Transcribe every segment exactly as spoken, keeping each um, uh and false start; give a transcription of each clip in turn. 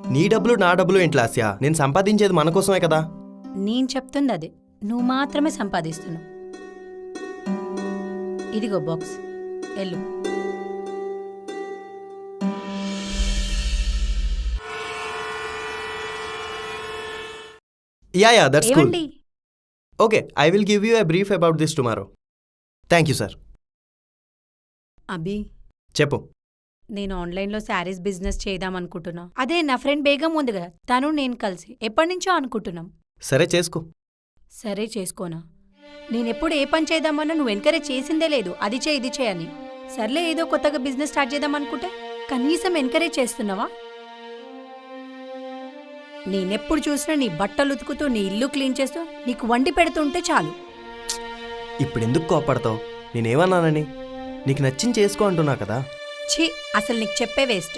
నీ డబ్బులు నా డబ్బులు ఏంటి లాస్యా? నేను సంపాదించేది మన కోసమే కదా. నేను చెప్తుంది అదే, నువ్వు మాత్రమే సంపాదిస్తున్నావు. ఇదిగో బాక్స్, ఎల్లు. Yeah yeah that's cool. ఏమండి? Okay, I will give you a brief about this tomorrow. Thank you sir. Abhi, చెప్పు. నేను ఆన్లైన్లో శారీస్ బిజినెస్ చేద్దాం అనుకుంటున్నా. అదే నా ఫ్రెండ్ బేగం ఉంది కదా, తను నేను కలిసి ఎప్పటి నుంచో అనుకుంటున్నాం. సరే చేసుకో. సరే చేసుకోనా? నేనెప్పుడు ఏ పని చేద్దామన్నా నువ్వు ఎంకరేజ్ చేసిందే లేదు, అది చే ఇది చే అని. సర్లే, ఏదో కొత్తగా బిజినెస్ స్టార్ట్ చేద్దాం అనుకుంటే కనీసం ఎంకరేజ్ చేస్తున్నావా? నేనెప్పుడు చూసినా నీ బట్టలు ఉతుకుతూ, నీ ఇల్లు క్లీన్ చేస్తూ, నీకు వండి పెడుతుంటే చాలు. ఇప్పుడు ఎందుకు కోపడతావు? నేనేమన్నానని? నీకు నచ్చింది చేసుకో అంటున్నా కదా. ఛీ, అసలు నీకు చెప్పే వేస్ట్.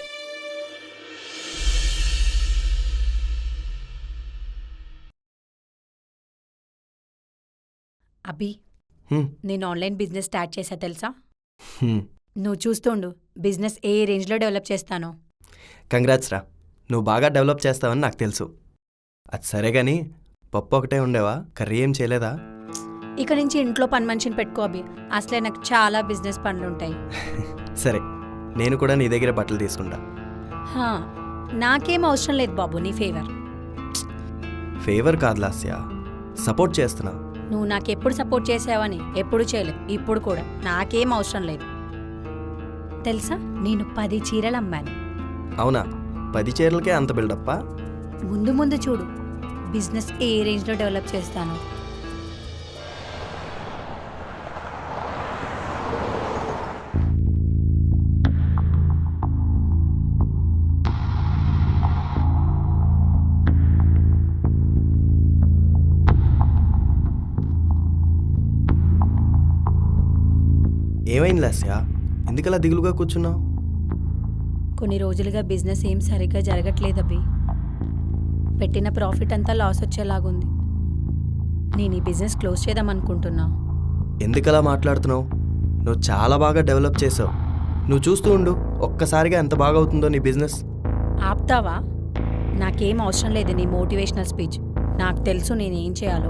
అభి, హ్మ్, నేను ఆన్లైన్ బిజినెస్ స్టార్ట్ చేశా తెలుసా? హ్మ్. నువ్వు చూస్తుండు బిజినెస్ ఏ రేంజ్లో డెవలప్ చేస్తానో. కంగ్రాట్స్ రా. నువ్వు బాగా డెవలప్ చేస్తావని నాకు తెలుసు. అది సరే కానీ పప్పు ఒకటే ఉండేవా? కర్రీ ఏం చేయలేదా? ఇక నుంచి ఇంట్లో పని మనిషిని పెట్టుకో అభి, అసలే నాకు చాలా బిజినెస్ పనులుంటాయి. సరే, నేను కూడా నీ దగ్గర బట్టలు తీసుకుంటా. హా, నాకేం అవసరం లేదు బాబు నీ ఫేవర్. ఫేవర్ కాదు లాస్య, సపోర్ట్ చేస్తున్నా. నువ్వు నాకెప్పుడు సపోర్ట్ చేసావని ఎప్పుడు చేయలేదు, ఇప్పుడు కూడా నాకేం అవసరం లేదు. తెలుసా, నేను పది చీరలు అమ్మాను. అవునా? పది చీరలకే అంత బిల్డప్పా? ముందు ముందు చూడు బిజినెస్ ఏ రేంజ్లో డెవలప్ చేస్తాను. ఏమైంది లాస్య? ఎందుకలా దిగులుగా కూర్చున్నావు? కొన్ని రోజులుగా బిజినెస్ ఏం సరిగ్గా జరగట్లేదు అభి. పెట్టిన ప్రాఫిట్ అంతా లాస్ వచ్చేలాగుంది. నేను ఈ బిజినెస్ క్లోజ్ చేద్దాం అనుకుంటున్నా. ఎందుకలా మాట్లాడుతున్నావు? నువ్వు చాలా బాగా డెవలప్ చేసావు. నువ్వు చూస్తూ ఉండు, ఒక్కసారిగా ఎంత బాగా అవుతుందో నీ బిజినెస్. ఆపుతావా? నాకేం అవసరం లేదు నీ మోటివేషనల్ స్పీచ్. నాకు తెలుసు నేనేం చేయాలో.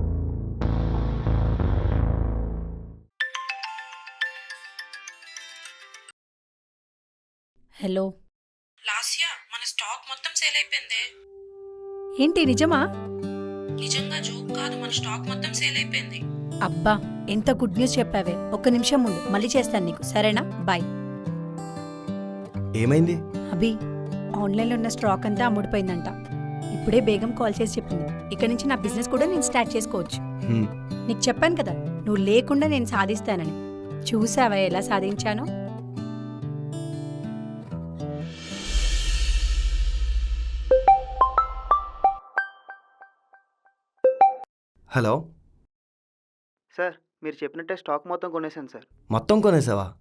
హలో లాస్యా, మన స్టాక్ మొత్తం సేల్ అయిపోయిందే. ఏంటి నిజమా? నిజంగా జోక్ కాదు, మన స్టాక్ మొత్తం సేల్ అయిపోయింది. అబ్బా, ఎంత గుడ్ న్యూస్ చెప్పావే. ఒక్క నిమిషం ముందు మళ్ళీ చేస్తాను నీకు, సరేనా? బాయ్. ఏమైంది? అభి, ఆన్లైన్లో ఉన్న స్టాక్ అంతా అమ్ముడిపోయిందంట. ఇప్పుడే బేగం కాల్ చేసి చెప్పింది, ఇక నుంచి నా బిజినెస్ కూడా నేను స్టార్ట్ చేసుకోవచ్చు. హ్మ్. నీకు చెప్పాను కదా, నువ్వు లేకుండా నేను సాధిస్తానని. చూసావా ఎలా సాధించానో? హలో. సార్, మీరు చెప్పినట్టే స్టాక్ మొత్తం కొనేసాను సార్. మొత్తం కొనేసావా?